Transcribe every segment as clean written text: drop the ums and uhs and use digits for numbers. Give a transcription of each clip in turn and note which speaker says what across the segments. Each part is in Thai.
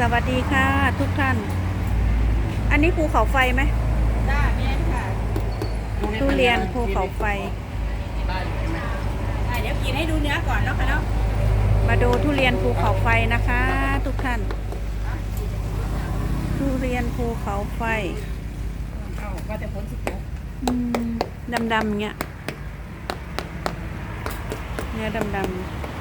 Speaker 1: สวัสดีค่ะทุกท่าน อันนี้ภูเขาไฟไหม
Speaker 2: ได้แม่ค่ะ
Speaker 1: ทุเรียนภูเขาไฟ
Speaker 2: เดี๋ยวกินให้ดูเนื้อก่อนเนาะค่ะเนาะ
Speaker 1: มาดูทุเรียนภูเขาไฟนะคะ ทุกท่าน ทุเรียนภูเขาไฟ
Speaker 2: เอาก็จะพ้นสุก
Speaker 1: ดำๆเงี้ยเนื้อดำ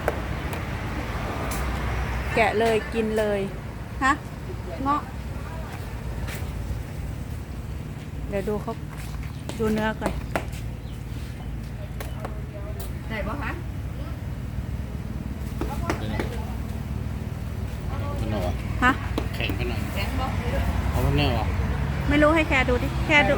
Speaker 1: ๆแกะเลยกินเลยฮะเงาะเดี๋ยวดูเขาดูเนื้อก่อน
Speaker 2: ได้ปะคะ
Speaker 3: มันหรอ
Speaker 1: ฮะ
Speaker 3: แข็งไปหน่อย
Speaker 2: แข็งปะ
Speaker 3: เอาแล้วเนี่ยหรอ
Speaker 1: ไม่รู้ให้แค่ดูดิแค่ดู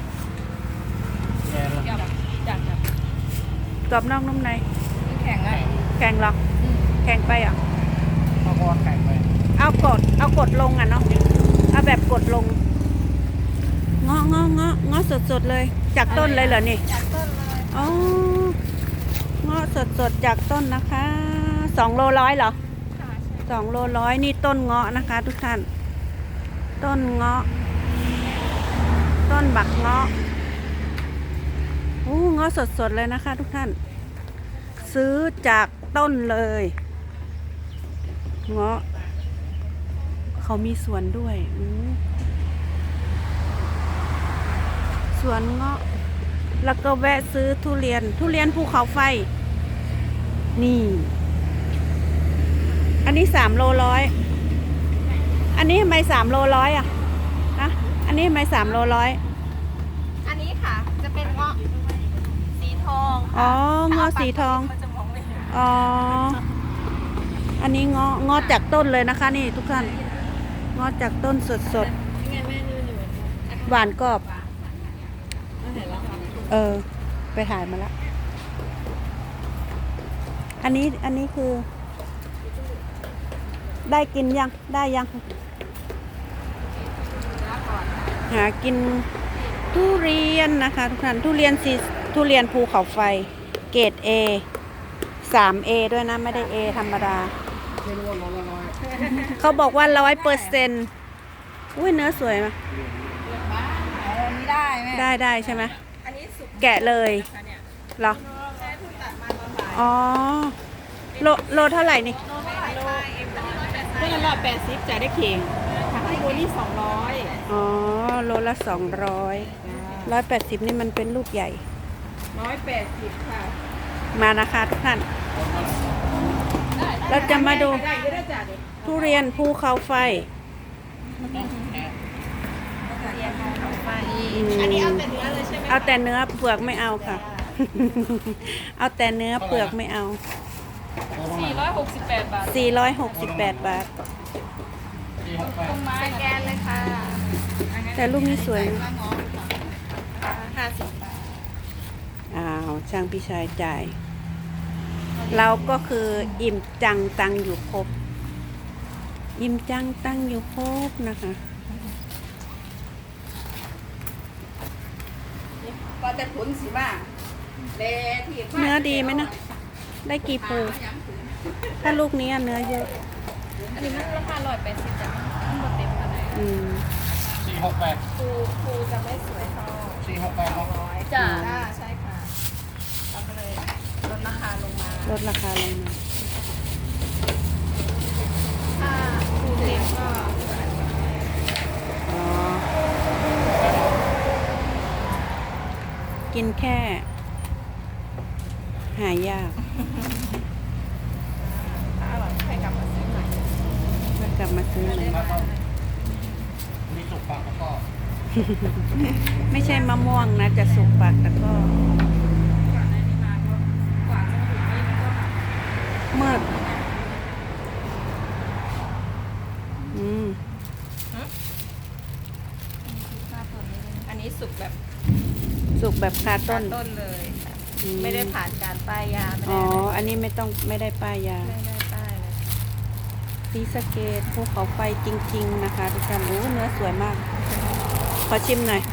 Speaker 2: จับ
Speaker 1: กรอบนอกนุ่มใน
Speaker 2: แข็งอ่ะ
Speaker 1: แข็งหรอแข็งไปอ่ะ
Speaker 3: เอาก็แข็งไป
Speaker 1: เอากดลงอ่ะเนาะเอาแบบกดลงเงาะสดเลยจากต้นเลยเหรอนี่
Speaker 2: จากต้นเลย
Speaker 1: อ๋อเงาะสดจากต้นนะคะ2 โล 100เหรอ2 โล 100นี่ต้นเงาะนะคะ ทุกท่านต้นเงาะต้นบักเงาะเงาะสดเลยนะคะ ทุกท่านซื้อจากต้นเลยเงาะเขามีสวนด้วยสวนเงาะแล้วก็แวะซื้อทุเรียนภูเขาไฟนี่อันนี้3 โล 100อันนี้ทำไม3 โล 100อ่ะนะอันนี้ทำไม3 โล 100
Speaker 2: อันนี้ค่ะจะเป็นเงาะสีทอง
Speaker 1: อ๋อเงาะสีทองอ๋ออันนี้เงาะจากต้นเลยนะคะนี่ทุกท่านเงาะจากต้นสดหวานกรอบไปถ่ายมาแล้วอันนี้คือได้กินยังได้ยังหากินทุเรียนนะคะทุกท่านทุเรียนภูเขาไฟเกรด A 3A ด้วยนะไม่ได้ A ธรรมดาเขาบอกว่า100%อุ้ยเนื้อสวยไหมได้ใช่ไหมแกะเลยเหรออ๋อโลเท่าไหร่นี่
Speaker 2: ก็180จ่ายได้เข่งทางข้างบนนี่200
Speaker 1: อ๋อโลละ180นี่มันเป็นลูกใหญ่
Speaker 2: 180ค่ะ
Speaker 1: มานะคะทุกท่านเราจะมาดูทุเรียนภูเขาไฟ
Speaker 2: อันนี้เอาแต่เนื้อเลยใช่ไหม
Speaker 1: เอาแต่เนื้อเปลือกไม่เอาค่ะเอาแต่เนื้อเปลือกไม่เอา
Speaker 2: 468 บาท
Speaker 1: 468 บาท
Speaker 2: ตรงไม้แกนเลยค่ะ
Speaker 1: แต่ลูกนี้สวยนะ
Speaker 2: 50 บาท
Speaker 1: ช่างพี่ชายจ่ายเราก็คืออิ่มจังตังอยู่ครบอิ่มจังตังอยู่ครบนะคะ
Speaker 2: ก็จะผลสิบ้า
Speaker 1: เนื้อดีไหมนะได้กี่ภูถ้าลูกนี้เนื้อเยอะ
Speaker 2: อันนี้มันราคา180จ้ะมันหมดเต็มขนาด
Speaker 3: 468
Speaker 2: ภูจะไม่สวยเท่า
Speaker 3: 468
Speaker 2: จ้ะใช่ค่ะเราก็เลยลดราคาลงมาถ้าภูเต็มก็
Speaker 1: กินแค่หายาก
Speaker 2: ถ้าอร่อยให้กลับมาซื้อใหม่
Speaker 3: มีสุกปากแล้วก็
Speaker 1: ไม่ใช่มะม่วงนะจะสุกปากแต่ก็มืด
Speaker 2: อันนี้สุก
Speaker 1: แบบคาต้น
Speaker 2: เลยไม่ได้ผ่านการป้ายยา
Speaker 1: อันนี้ไม่ได้ป้ายยา
Speaker 2: ไม่ได้ป้ายเลย
Speaker 1: ศรีสะเกษภูเขาไฟจริงๆนะคะทุกท่านเนื้อสวยมากขอชิมหน่อย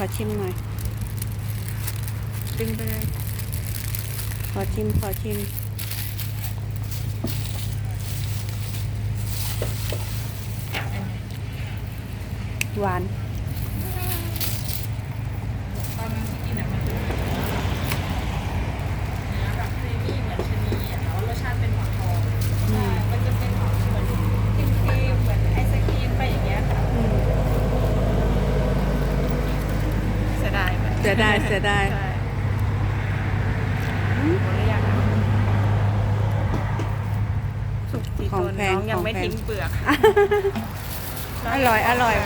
Speaker 2: ดึงไปเลย
Speaker 1: ขอชิมหวาน
Speaker 2: ตอนนั้นที่กินมันเป็นเนื้อแบบครีมมี่เหมือนชะนีแต่ว่ารสชาติเป็นหมอนทองมันจะเป็นเหมือนครีมเหมือนไอศครีมไปอย่างเงี้ยค่ะเสียดายมัน
Speaker 1: เสียดายเสียดาย
Speaker 2: ใช่หมดหรือยังอะสุกสี
Speaker 1: ของ
Speaker 2: ตัว
Speaker 1: แพง
Speaker 2: น้องยังไม่
Speaker 1: ของแพง
Speaker 2: ทิ้งเปลือก
Speaker 1: อร่อยอร่อย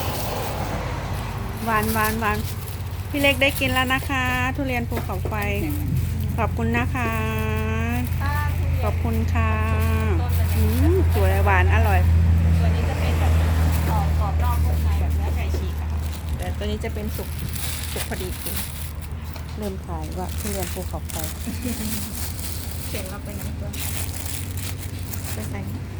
Speaker 1: หวานหวานหวานพี่เล็กได้กินแล้วนะคะ ทุเรียนภูเขาไฟ ขอบคุณนะคะ ขอบคุณค่ะสวยหวานอร่อย
Speaker 2: ตัวนี้จะเป็นแบบกรอบนอกนุ่มในแบบเนื้อไก่ฉีกอะค่ะแต่ตัวนี้จะเป็นสุกพอดีกิน
Speaker 1: เริ่มขายว่าทุเรียนภูเขาไฟ
Speaker 2: เสียงเราไปไหนตัวไปใส่